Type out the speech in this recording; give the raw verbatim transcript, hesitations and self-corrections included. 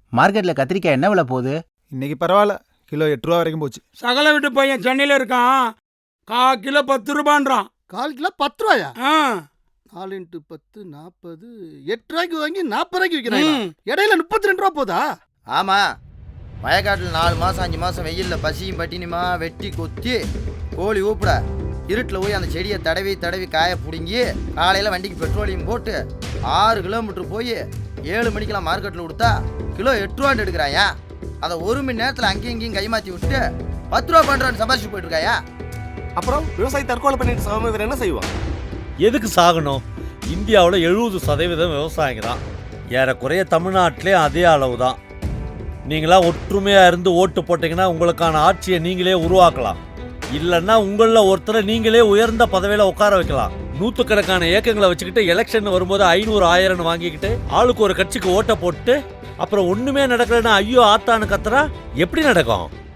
மார்க்கெட்ல கத்திரிக்காய் என்ன விலை போகுது? இன்னைக்கு பரவாயில்ல, கிலோ எட்டு ரூபா வரைக்கும் போச்சு. சகல வீட்டு பையன் சென்னையில இருக்கான், கா கிலோ பத்து ரூபான்றான். கால் கிலோ பத்து ரூபாயா? ஆ, நாலு இன்ட்டு பத்து நாற்பது, எட்டு ரூபாய்க்கு வாங்கி நாற்பது ரூபாய்க்கு விற்கிறாங்க. ம். இடையில முப்பத்தி ரெண்டு ரூபா போதா? ஆமா, வயக்காட்டில் நாலு மாசம் அஞ்சு மாசம் வெயில்ல பசியும் பட்டினியுமா வெட்டி கொத்தி கோழி ஊப்பிட இருட்டில் போய் அந்த செடியை தடவி தடவி காய பிடுங்கி காலையில் வண்டிக்கு பெட்ரோலியம் போட்டு ஆறு கிலோமீட்டர் போய் ஏழு மணிக்கெல்லாம் மார்க்கெட்டில் கொடுத்தா கிலோ எட்டு ரூபான்னு எடுக்கிறாயா. அதை ஒரு மணி நேரத்தில் அங்கேயும் இங்கேயும் கைமாற்றி விட்டு பத்து ரூபா பண்ணுறான்னு சம்பாதிச்சு போயிட்டு இருக்காயா. அப்புறம் விவசாயி தற்கொலை பண்ணிட்டு சாமி வேற என்ன செய்வான்? எதுக்கு சாகணும்? இந்தியாவில் எழுபது சதவீதம் விவசாயிங்க தான். ஏறக்குறைய தமிழ்நாட்டிலே அதே அளவு தான். நீங்களாம் ஒற்றுமையாக இருந்து ஓட்டு போட்டிங்கன்னா உங்களுக்கான ஆட்சியை நீங்களே உருவாக்கலாம். இல்லைன்னா உங்களில் ஒருத்தரை நீங்களே உயர்ந்த பதவியில் உட்கார வைக்கலாம். நூற்றுக்கணக்கான ஏக்கங்களை வச்சுக்கிட்டு எலெக்ஷன் வரும்போது ஐநூறு ஆயிரம் வாங்கிக்கிட்டு ஆளுக்கு ஒரு கட்சிக்கு ஓட்டை போட்டு அப்புறம் ஒன்றுமே நடக்கலைன்னா ஐயோ ஆத்தான்னு கத்துறா எப்படி நடக்கும்?